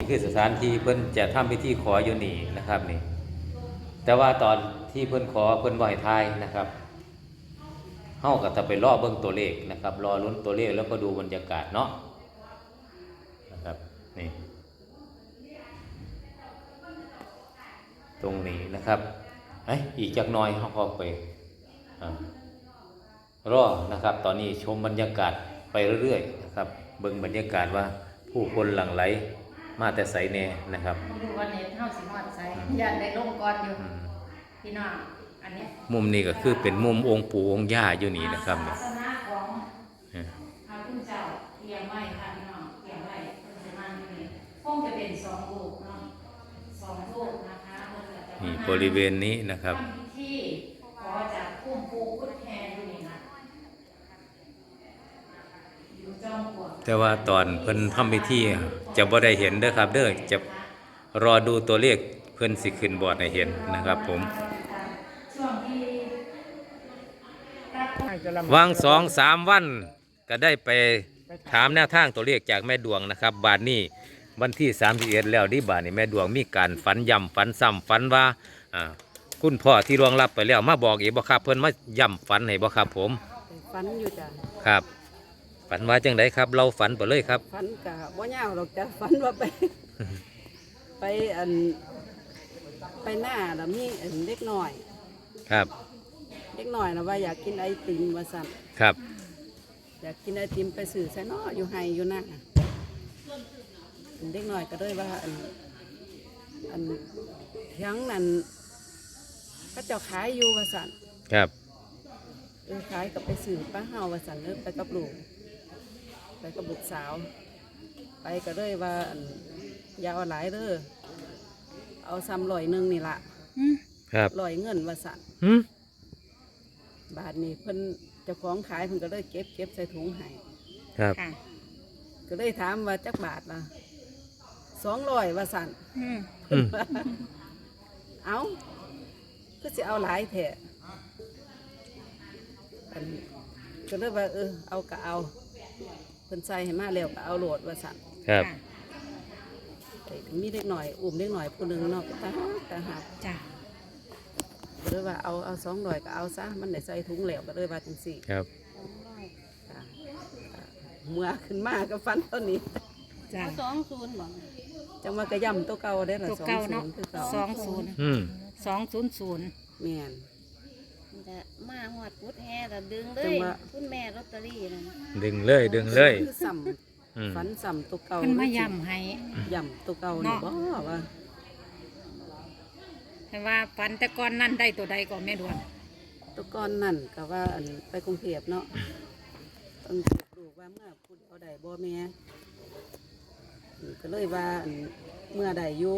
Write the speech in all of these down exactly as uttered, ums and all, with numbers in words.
คือสถานที่เพิ่นจะทำพิธีขออยู่นี่นะครับนี่แต่ว่าตอนที่เพิ่นขอเพิ่นบ่ให้ทายนะครับเฮาก็จะไปรอเบิ่งตัวเลขนะครับรอลุ้นตัวเลขแล้วก็ดูบรรยากาศเนาะนะครับนี่ตรงนี้นะครับเอ้ยอีกจักหน่อยเฮาก็ไปรอนะครับตอนนี้ชมบรรยากาศไปเรื่อยๆนะครับเบิ่งบรรยากาศว่าผู้คนหลั่งไหลมาแต่ไสแน่นะครับดูวันนี้เฮาสิฮอดไสย่านได้ลงก่อนอยู่พี่น้องอันนี้มุมนี้ก็คือเป็นมุมองค์ปู่องค์ย่าอยู่นี่นะครับศาสนาของพระคุณเจ้าเลี้ยงไว้ค่ะพี่น้องเลี้ยงไว้เพิ่นสิมาอยู่นี่คงจะเป็นสองลูกเนาะสองลูกนะคะเพิ่นก็จะนี่บริเวณนี้นะครับทำพิธีขอจากพุ่มปู่พุทธแทนอยู่นี่นะอยู่จอมปลวกแต่ว่าตอนเพิ่นทำพิธีจะบ่ได้เห็นเด้อครับเด้อจะรอดูตัวเลขเพิ่นสิขึ้นบอร์ดให้เห็นนะครับผมวางสองสามวันก็ได้ไปถามแนวทางตัวเลขจากแม่ดวงนะครับบาทนี้วันที่สามสิบเอ็ดแล้วที่บาทนี้แม่ดวงมีการฝันย่ำฝันซ้ำฝันว่าอ่าคุณพ่อที่ล่วงลับไปแล้วมาบอกอีกบ่ครับเพิ่นมาย่ำฝันให้บ่ครับผมฝันอยู่จ้ะครับฝันว่าจังไดครับเราฝันไปเลยครับฝันกะบ่ยาวหรอกจ้ะฝันว่าไป ไปอันไปหน้าแล้วมีอันเล็กหน่อยครับเล็กหน่อยนะว่าอยากกินไอติมว่าสั่นครับอยากกินไอติมไปสื่อใส่นออยู่ไฮอยู่หน้าเล็กหน่อยก็ด้วยว่าอันอันยังนั่นเขาเจ้าขายอยู่ว่าสั่นครับเออขายกับไปสื่อป้าเฮาว่าสั่นเออไปกับลูกไปกับบุตรสาวไปก็ด้วยว่าอยาวหลายเด้อเอาซ้ำลอยหนึ่งนี่ละครับลอยเงินว่าสั่นบาทนี้เพิ่นเจ้าของขายเพิ่นก็เลยเก็บเก็บใส่ถุงให้ครับก็เลยถามว่าจักบาทละสองร้อยว่าสั่นเอาก็จะเอาหลายแถะก็เลยว่าเออเอาก็เอาเพิ่นใส่ให้มาแล้วก็เอาโหลดว่าสั่นครับมีเล็กหน่อยอุ้มเล็กหน่อยผู้หนึ่งเนาะตาตาหักจ้ะก็เลยว่าเอาเอาสองร้อยก็เอาซะมันได้ใส่ถุงเหลวก็เลยว่าจังสี่ครับเมื่อขึ้นมาก็ฟันต้นนี้จ้ะสองศูนย์บอกจังว่ากระยำตัวเก่าได้หรอตัวเก่าเนาะสองศูนย์สองศูนย์ศูนย์แม่นแต่มาหอดพุทธแห่แต่ดึงเลยคุณแม่ลอตเตอรี่นั่นดึงเลยดึงเลยซ้ำฝันซ้ำตัวเก่ามันมาย่ำให้ย่ำตัวเก่านี่บ่ว่าแต่ว่าฝันแต่ก่อนนั่นได้ตัวใดก่อนแม่ดวงตัวก่อนนั่นก็ว่าไปกรุงเทพเนาะต้องดูว่าเมื่อพูดเอาได้บ่แม่ก็เลยว่าเมื่อใดอยู่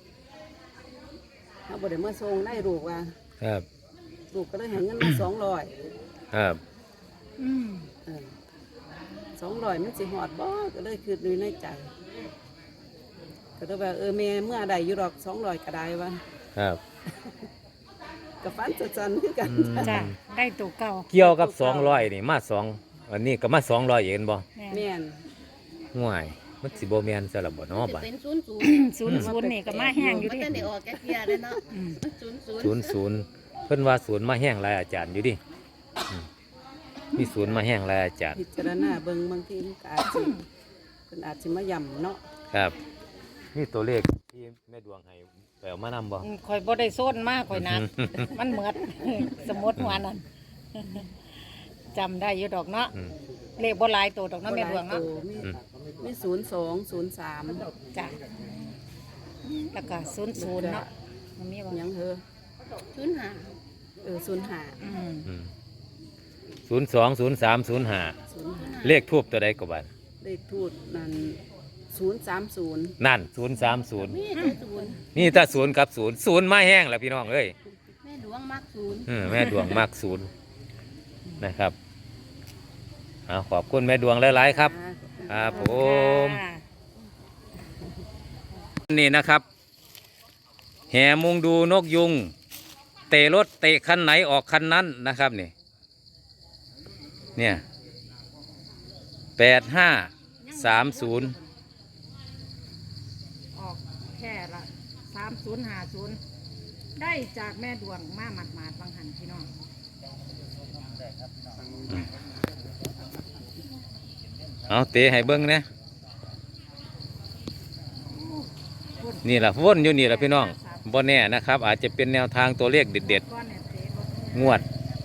เขาบ่ได้เมื่อทรงได้ลูกว่าครับลูกก็เลยให้เงินมาสองร้อยครับอืมสองร้อยมันสิหอดบ่ก็เลยคือดูในใจก็เลยว่าเออแม่เมื่อใดอยู่ดอกสองร้อยก็ได้ว่าครับกับฟันจันๆคือกันจ้ะได้ตัวเก่าเกี่ยวกับสองร้อยนี่มาสองอันนี้ก็มาสองร้อยเองบ่แม่นห่วยมันสิบ่แม่นซะละบ่เนาะบ่เป็นศูนย์ศูนย์ศูนย์ศูนย์นี่ก็มาแห้งอยู่ดิมันได้ออกแก่เพียเลยเนาะศูนย์ศูนย์ศูนย์เพิ่นว่าศูนย์มาแห้งหลายอาจารย์อยู่ดิมีศูนย์มาแห้งหลายอาจารย์พิจารณาเบิ่งบางทีมันอาจสิเพิ่นอาจสิมาย่ำเนาะครับนี่ตัวเลขที่แม่ดวงให้ไปเอามานำบ่ข่อยบ่ได้โซนมากข่อยนักมันเหมือดสมมติว่านั่นจำได้อยู่ดอกเนาะเลขบ่หลายตัวดอกเนาะแม่ดวงเนาะมีศูนย์สองศูนย์สามจ้ะแล้วก็ศูนย์ศูนย์เนาะมันมีบ่ยังเหรอศูนย์ห้าเออศูนย์ห้าศูนย์สองศูนย์สามศูนย์ห้าเลขทูบตัวใดก็บัดเลขทูบนั่นศูนย์สามศูนย์นั่นศูนย์สามศูนย์นี่ถ้าศูนย์กับศูนย์ศูนย์มาแห้งแล้วพี่น้องเอ้ยแม่ดวงมักศูนย์แม่ดวงมักศูนย์นะครับเอาขอบคุณแม่ดวงหลายๆครับครับผมนี่นะครับแห่มุงดูนกยุงเตะรถเตะคันไหนออกคันนั้นนะครับนี่เนี่ยแปดห้าสามศูนย์แค่ละสามศูนย์ห้าศูนย์ได้จากแม่ดวงมาหมาดหมาดๆบางหันพี่น้องเอาเตะให้เบิ้งนะนี่แหละวนอยู่นี่แหละพี่น้องบ่แน่นะครับ อาจจะเป็นแนวทางตัวเลขเด็ดก้อนเนี่ยเตะบ่ๆงวด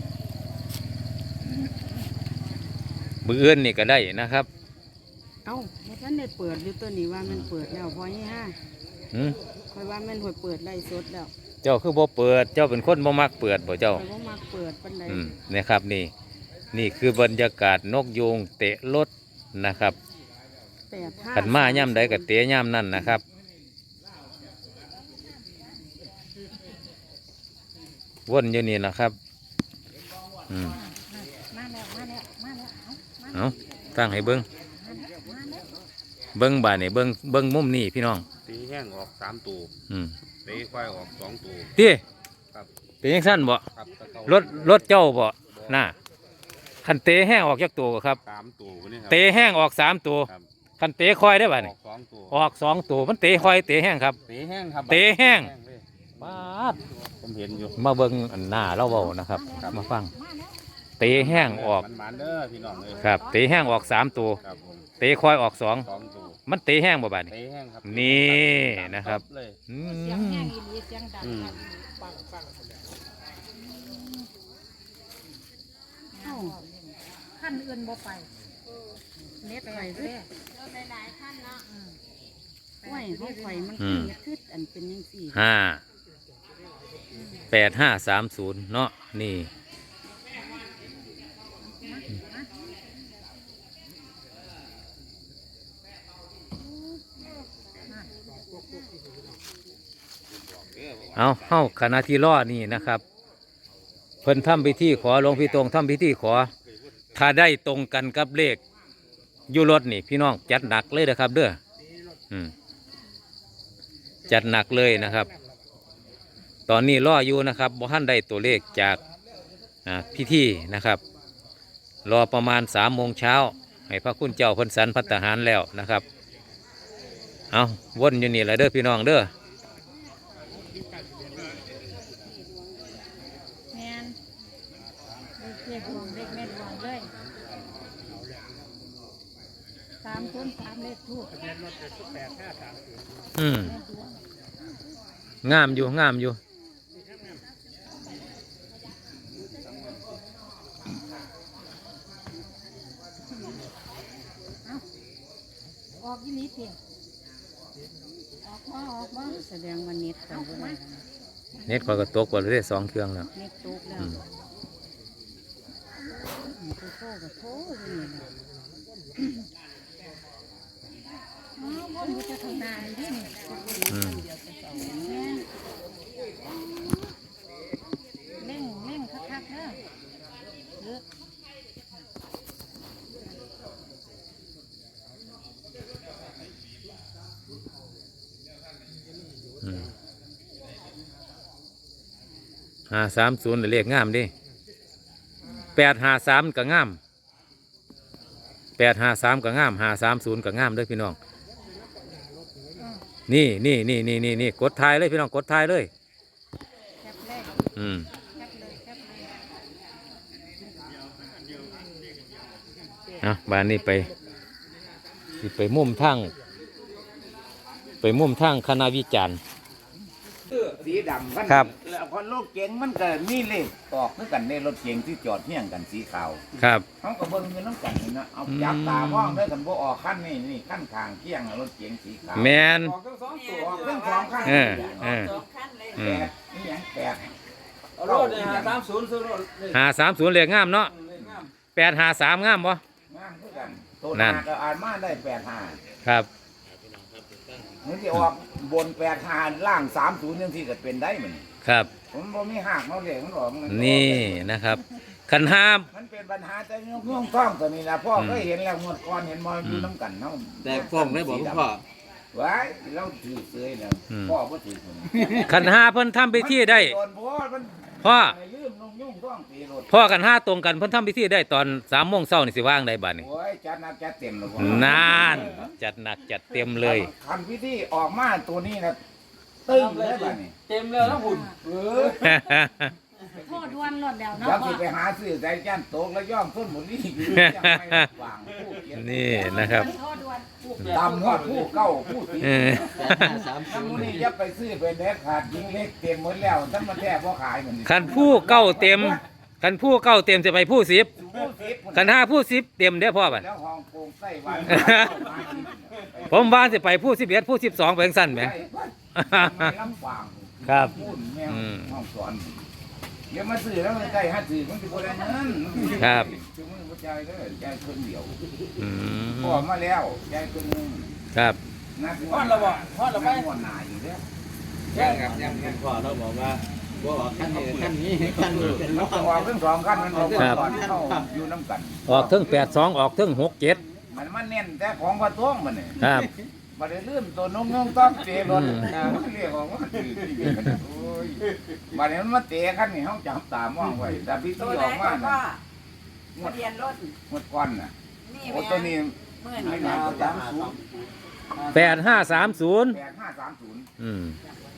มืออื่นนี่ก็ได้นะครับเอ้าบ่ทันได้เปิดอยู่ตัวนี้ว่ามันเปิดแล้วพอยี่ห้าหืมคอยว่ามันหวยเปิดไล่สดแล้วเจ้าคือบ่เปิดเจ้าเป็นคนบ่มักเปิดบ่เจ้าคอยบ่มักเปิดปานใดอืมนะครับนี่นี่คือบรรยากาศนกยูงเตะรถนะครับแปดห้าขันมาย่ำใดกับเตะย่ำนั่นนะครับวนอยู่นี่นะครับอืมมาแล้วมาแล้วมาแล้วเอามาเอาตั้งให้เบิ้งแล้วมาแล้วเบิ้งบ่านี่เบิ้งเบิ้งมุมนี่พี่น้องตีแห้งออกสามตัวอืมตีควายออกสองตัวตีครับเป็นยังสั้นบ่ครับตะเการถรถเจ้าบ่น่าขันเตะแห้งออกจากตัวครับสามตัววันนี้ครัเตะแห้งออกสามตัวครับขันเตะคอยได้บ่าอนี่อกสองตัวออกสองตัวมันเตะคอยเตะแห้งครับตีแห้งครับเตะแห้งเลยปาดผมเห็นอยู่มาเบิ้งอันหน้าเราเบานะครับครับมาฟังเตะแห้งออกมันมันๆเด้อพี่น้องเลยครับเตะแห้งออกสามตัวครับผมเตะคอยออกสองสองตัวมันเตะแห้งบ่บาดนี่ตีแห้งครับนี่นะครับเลยอืเสียงแห้งมอีหลีเสียงดังอืมปังปังเอ้าขั้นอื่นบ่ไปเน็ตไปเรื่อยห้วยห้องไฟมันขึ้นขึ้นอันเป็นยังสี่ห้าแปดห้าสามศูนย์เนาะนี่เอาเข้าคณะที่ล่อนี่นะครับ เพิ่นทำพิธีขอหลวงพี่ตรงทำพิธีขอ ถ้าได้ตรงกันกับเลขอยุรถนี่พี่น้องจัดหนักเลยนะครับ เด้ออืมจัดหนักเลยนะครับ ตอนนี้ล่ออยู่นะครับบ่ทันได้ตัวเลขจากอ่าพิธีนะครับ รอประมาณสามโมงเช้าให้พระคุณเจ้าเพิ่นสันพัฒหารแล้วนะครับ เอาวนอยู่นี่แหละเด้อพี่น้องเด้อแมนเด็กดวงเด็กแม่ดวงเลยสามศูนย์สามเลขทูบอืมงามอยู่งามอยู่ออกยี่ลีเพียงออกมาออกมาแสดงว่าเน็ตกันบ่ได้เน็ตคอยก็ตกกว่าได้สองเครื่องแล้วเน็ตตกแล้วอืมมันโทรโทรกับโทรอยู่นี่นะอ๋อวนอยู่จะทางหน้านี่ดิอืมแม่นเล่งเล่งคักๆเด้อเด้ออืมห้าสามศูนย์เลขงามดิแปดห้าสามก็งามแปดห้าสามก็งามห้าสามศูนย์ก็งามเด้วยพี่น้อง นี่นี่นี่นี่นี่นี่กดทายเลยพี่น้องกดทายเลยแคปเลยอืมแคปเลยแคปเลยอ่ะบ้านนี้ไปสิไปมุมทางไปมุมทางคณะวิจารณ์สีดำกันครับแล้วพอรถเก๋งมันก็มีเลขออกเหมือนกันในรถเก๋งที่จอดเที่ยงกันสีขาวครับเขาก็เบิ่งอยู่น้ำกันนี่นะเอาอืมจับตามองได้กันบ่ออกขั้นนี่นี่ขั้นทางเที่ยงน่ะรถเก๋งสีขาวแมนออกทั้งสองตัวออกทั้งสองขั้นเออเออ อืแปมดนี่หยังแปดเอารถเนี่ยหาสามศูนย์ซื้อรถเลยห้าสามศูนย์เลขงามเนาะแปดห้าสามงามบ่งามคือกันตัวนั่หาน ก็อ่านมาได้แปดห้าครับมันจะออกบนแปดห้าล่างสามศูนย์ยังที่จะเป็นได้เหมือนครับผมบ่มีหักเนาะเลยมันออกมัออกนี่นะครับขันห้ามมันเป็นปัญหาแต่ยกย่องท้องตัวนี้นะพ่ออืมก็เห็นแล้วงวดก่อนเห็นมออยู่น้ำกันเนาะแต่ฟ้องได้บอกคุณพ่อไว้เราถือเสยแล้วพ่อก็ถือผมขันห้าเพิ่นทำพิธีได้โดนเพราะว่ามันพ่อไปลืมนงยุ่งต้องตีรถพ่อกันห้าตรงกันเพิ่นทำพิธีได้ตอนสามโมงเช้านี่สิว่างได้บัดนี้โอ้ยจัดหนักจัดเต็มเลยนานจัดหนักจัดเต็มเลยคันพิธีออกมาตัวนี้นะตึ้งเลยบ้านี่เต็มแล้วนะหุ่นเออโทษดวนหลดแล้วเนาะแล้วพ่สิอไปหาซื้อใจจันโตกแล้วย่อมต้นหมดนี่คือจังไม่วางผู้เขียนนี่นะครับโทษดวนตำฮอดผู้เก้าผู้ตีเออถ้ามูนี่จะไปซื้อเป็นเด็ดขาดยิงเล็กเต็มหมดแล้วถ้ามันแทบพ่ขายเหมือนคันผู้เก้าเต็มคันผู้เก้าเต็มจะไปผู้สิบผู้สิบคันห้าผู้สิบเต็มเด้อพ่อบัดแล้วห้องโปร่งไส้หวานผมว่าสิไปผู้สิบเอ็ดผู้สิบสองไปจังสั้นไหมไม่ลำบากครับพูดแมวอืมห้องสอนเดี๋ยวมาซื้อแล้วมันได้ห้าซื้อมันจะบ่ได้เงินครับซื้อมือบ่ใจายเด้อใจายคนเดียวอืมพอมาแล้วใจายคนหนึงครับนักพอดแล้วบ่พอดแล้วไปนักหัวหน้าอยู่แล้วยังครับยังคุณพ่อเราบอกว่าบ่ออกขั้นนี้ขั้นนี้ขั้นนี้เป็นมันน้องต้องออกทั้งสองขั้นมันออกครับก่อนเข้าอยู่น้ำกันออกถึงแปดสองออกถึงหกเจ็ดมันมันเน้นแต่ของพระท้วงมันนี่ครับบ่ได้ลืมตัวนงนงต้องเตะรถอืมนะมันเรียกว่ามันถือที่เดียวกันโอ้ยบัดนี้มันมาเตะคันนี่เฮาจับตามองไว้แต่พี่ที่ออกมาน่ะงวดเรียนรถงวดก่อนน่ะนี่โอ้ตัวนี้เมื่อไม่นี้น่าแล้วจะสามศูนย์แปดห้าสามศูนย์แปดห้าสามศูนย์อืม